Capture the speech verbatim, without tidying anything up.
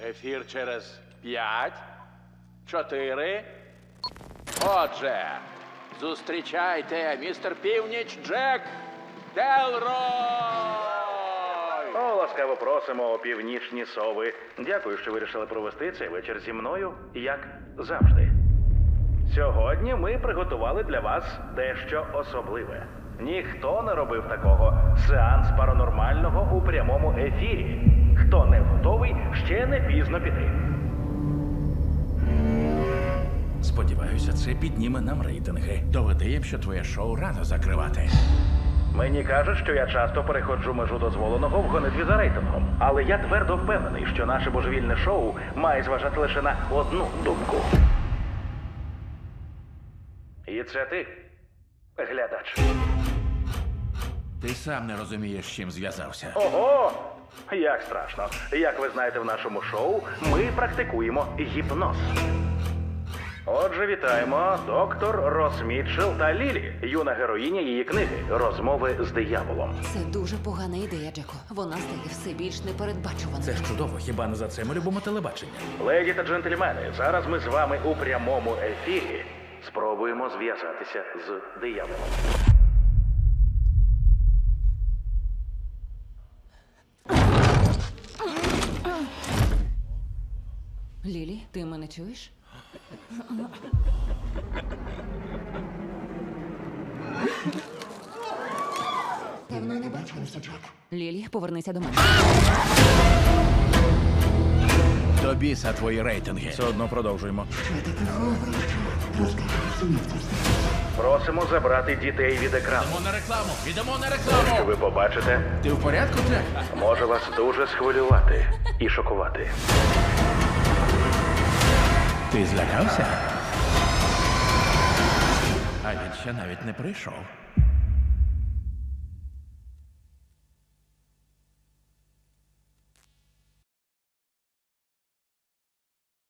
Ефір через п'ять, чотири. Отже, зустрічайте, містер Північ Джек Делрой! О, ласкаво просимо, північні сови. Дякую, що вирішили провести цей вечір зі мною, як завжди. Сьогодні ми приготували для вас дещо особливе. Ніхто не робив такого. Сеанс паранормального у прямому ефірі. Хто не готовий, ще не пізно піти. Сподіваюся, це підніме нам рейтинги. Доведе їм, що твоє шоу рано закривати. Мені кажуть, що я часто переходжу межу дозволеного в гонитві за рейтингом. Але я твердо впевнений, що наше божевільне шоу має зважати лише на одну думку. І це ти, глядач. Ти сам не розумієш, з чим зв'язався. Ого! Як страшно. Як ви знаєте, в нашому шоу ми практикуємо гіпноз. Отже, вітаємо доктор Рос Мітчелл та Лілі, юна героїня її книги «Розмови з дияволом». Це дуже погана ідея, Джеко. Вона стає все більш непередбачуваною. Це ж чудово, хіба не за це ми любимо телебачення? Леді та джентльмени, зараз ми з вами у прямому ефірі спробуємо зв'язатися з дияволом. Лілі, ти мене чуєш? Давно не бачилися, Джек. Лілі, повернися до мене. До біса твої рейтинги. Все одно продовжуємо. Просимо забрати дітей від екрану. Йдемо на рекламу! Йдемо на Що рекламу! ви побачите, Ти в порядку, Джек? може вас дуже схвилювати і шокувати. Ти злякався? А він ще навіть не прийшов.